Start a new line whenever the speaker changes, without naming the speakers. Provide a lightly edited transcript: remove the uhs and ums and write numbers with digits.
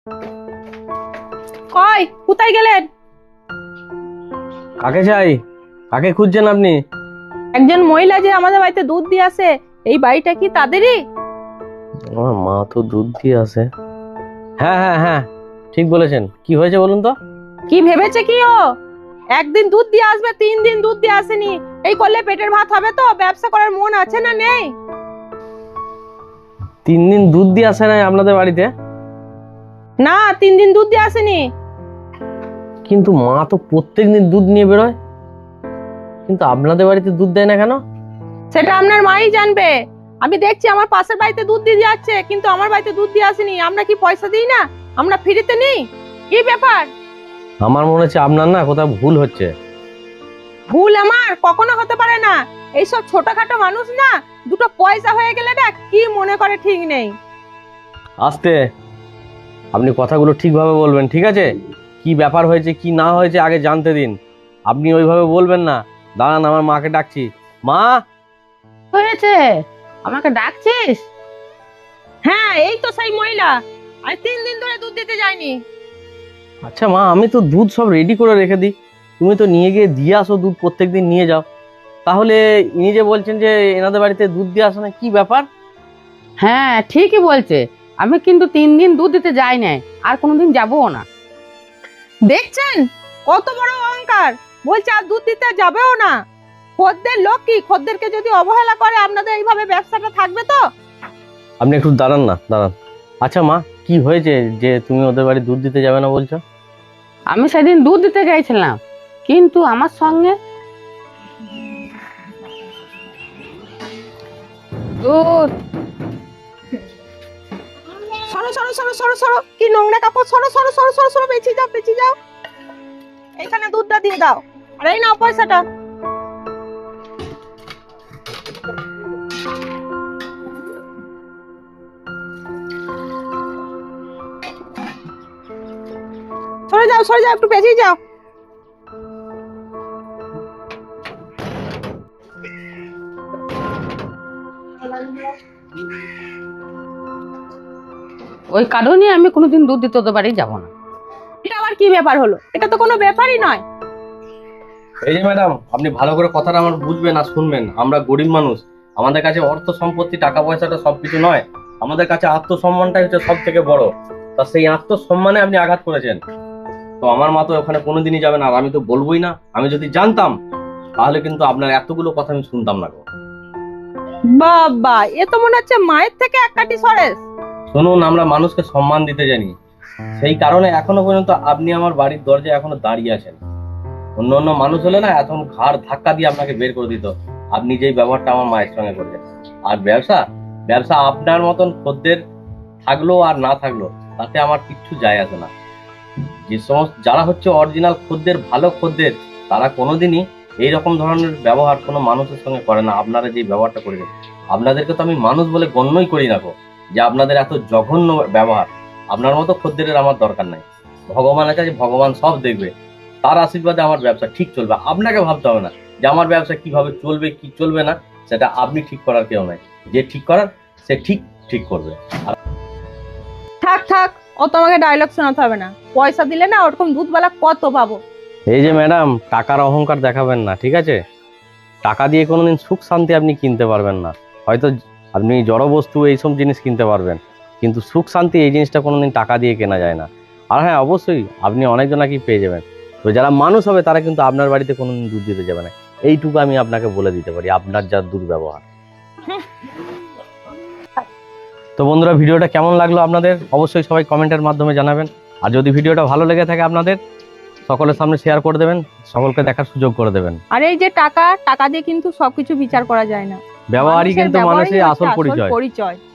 কই কোথায় গেলেন?
কাকে চাই? কাকে খুঁজছেন আপনি?
একজন মহিলা যে আমাদের বাড়িতে দুধ দিয়ে আসে, এই বাড়িটা কি তাদেরই?
আমার মা তো দুধ দিয়ে আসে। হ্যাঁ হ্যাঁ হ্যাঁ, ঠিক বলেছেন। কি হয়েছে বলুন তো?
কি ভেবেছে কি ও? একদিন দুধ দিয়ে আসবে, 3 দিন দুধ দিয়ে আসেনি। এই করলে পেটের ভাত হবে তো? ব্যবসা করার মন আছে না নেই?
3 দিন দুধ দিয়ে আসে নাই আপনাদের বাড়িতে?
না, 3 দিন দুধ দিয়ে আসেনি।
কিন্তু মা তো প্রত্যেকদিন দুধ নিয়ে বেরোয়, কিন্তু আপনাদের বাড়িতে দুধ দেয় না কেন?
সেটা আপনার মাই জানবে। আমি দেখছি আমার পাশের বাড়িতে দুধ দিয়ে যাচ্ছে, কিন্তু আমার বাড়িতে দুধ দিয়ে আসেনি। আমরা কি পয়সা দিই না? আমরা ফ্রিতে নেই? কি ব্যাপার?
আমার মনে হচ্ছে আপনার না কোথাও ভুল হচ্ছে।
ভুল আমার কখনো হতে পারে না। এইসব ছোটখাটো মানুষ না, দুটো পয়সা হয়ে গেলে না কি মনে করে ঠিক নেই।
আস্তে, আপনি কথাগুলো ঠিকভাবে বলবেন, ঠিক আছে? কি ব্যাপার হয়েছে কি না হয়েছে আগে জানতে দিন। আপনি ওইভাবে বলবেন না। দাঁড়ান, আমার মাকে ডাকছি। মা!
হয়েছে? আমাকে ডাকছিস? হ্যাঁ, এই তো সেই মহিলা। আর 3 দিন ধরে দুধ দিতে যায়নি।
আচ্ছা মা, আমি তো দুধ সব রেডি করে রেখে দিই, তুমি তো নিয়ে গিয়ে দিয়ে আসো দুধ, প্রত্যেকদিন নিয়ে যাও। তাহলে ইনি যে বলছেন যে এনাদের বাড়িতে দুধ দিয়ে আসো না, কি ব্যাপার?
হ্যাঁ, ঠিকই বলছে। আমি কিন্তু 3 দিন দুধ দিতে যাই নাই, আর কোনোদিন যাবও না।
দেখছেন কত বড় অহংকার! বলছে আর দুধ দিতে যাবেও না। খদ্দের লোক কি, খদ্দেরকে যদি অবহেলা করে আপনাদের এইভাবে ব্যবসাটা থাকবে তো?
আপনি একটু দাঁড়ান না, দাঁড়ান। আচ্ছা মা, কি হয়েছে যে তুমি ওদের বাড়ি দুধ দিতে যাবে না বলছো?
আমি সেদিন দুধ দিতে গেছিলাম, কিন্তু আমার সঙ্গে দুধ
সরো সরো সরো সরো সরো, কি নোংরা কাপড়! সরো সরো সরো সরো সরো, বেঁচে যাও বেঁচে যাও। এইখানে দুধটা দিয়ে দাও, আর এই নাও পয়সাটা। সরে যাও, একটু বেঁচে যাও।
ওই কারণে আমি কোনোদিন দুধ দিতে ওদের বাড়ি যাবো না।
এটা আবার কি ব্যাপার হলো? এটা তো কোনো ব্যাপারই নয়।
এই যে ম্যাডাম, আপনি ভালো করে কথাটা আমার বুঝবেন আর শুনবেন। আমরা গরিব মানুষ, আমাদের কাছে অর্থ সম্পত্তি টাকা পয়সাটা সবকিছু নয়। আমাদের কাছে আত্মসম্মানটাই হচ্ছে সব থেকে বড়। তা সেই আত্মসম্মানে আপনি আঘাত করেছেন। তো আমার মা তো ওখানে কোনোদিনই যাবে না, আর আমি তো বলবোই না। আমি যদি জানতাম তাহলে কিন্তু আপনার এতগুলো কথা আমি শুনতাম না গো।
বাবা, এ তো মনে হচ্ছে মায়ের থেকে এক কাঠি সরেস।
শুনুন, আমরা মানুষকে সম্মান দিতে জানি, সেই কারণে এখনো পর্যন্ত আপনি আমার বাড়ির দরজায় এখনো দাঁড়িয়ে আছেন। অন্য অন্য মানুষ হলে না এখন ঘাড় ধাক্কা দিয়ে আপনাকে বের করে দিত। আপনি যেই ব্যবহারটা আমার মায়ের সঙ্গে করলেন। আর ব্যবসা ব্যবসা আপনার মতন খদ্দের থাকলো আর না থাকলো তাতে আমার কিচ্ছু যায় আসে না। যে সমস্ত যারা হচ্ছে অরিজিনাল খদ্দের, ভালো খদ্দের, তারা কোনোদিনই এইরকম ধরনের ব্যবহার কোনো মানুষের সঙ্গে করে না। আপনারা যে ব্যবহারটা করেছেন, আপনাদেরকে তো আমি মানুষ বলে গণ্যই করি না গো, যে আপনাদের এত জঘন্য ব্যবহার। আপনার মতো খদ্দেরের আমার দরকার নাই। ভগবান আছে, যে ভগবান সব দেখবে, তার আশীর্বাদে আমার ব্যবসা ঠিক চলবে। আপনাকে ভাবতে হবে না যে আমার ব্যবসা কিভাবে চলবে কি চলবে না, সেটা আপনি ঠিক করার কেউ নাই। যে ঠিক করার সে ঠিক ঠিক করবে।
থাক থাক, ও তোমাকে ডায়লগ শোনাতে হবে না। পয়সা দিলে না ওরকম দুধওয়ালা কত পাবো।
এই যে ম্যাডাম, টাকার অহংকার দেখাবেন না, ঠিক আছে? টাকা দিয়ে কোনোদিন সুখ শান্তি আপনি কিনতে পারবেন না। হয়তো আপনি জড় বস্তু এইসব জিনিস কিনতে পারবেন, কিন্তু সুখ শান্তি এই জিনিসটা কোনোদিন টাকা দিয়ে কেনা যায় না। আর হ্যাঁ, অবশ্যই আপনি অনেকজনাকেই পেয়ে যাবেন, তো যারা মানুষ হবে তারা কিন্তু আপনার বাড়িতে কোনোদিন দুধ দিতে যাবে না। এইটুকু আমি আপনাকে বলে দিতে পারি, আপনার যা দুর্ব্যবহার। তো বন্ধুরা, ভিডিওটা কেমন লাগলো আপনাদের অবশ্যই সবাই কমেন্টের মাধ্যমে জানাবেন। আর যদি ভিডিওটা ভালো লেগে থাকে আপনাদের, সকলের সামনে শেয়ার করে দেবেন, সকলকে দেখার সুযোগ করে দেবেন।
আর এই যে টাকা টাকা দিয়ে কিন্তু সবকিছু বিচার করা যায় না।
ব্যবহারই কিন্তু
ব্যবহারই
মানুষের
হচ্ছে
আসল পরিচয়।
পরিচয়।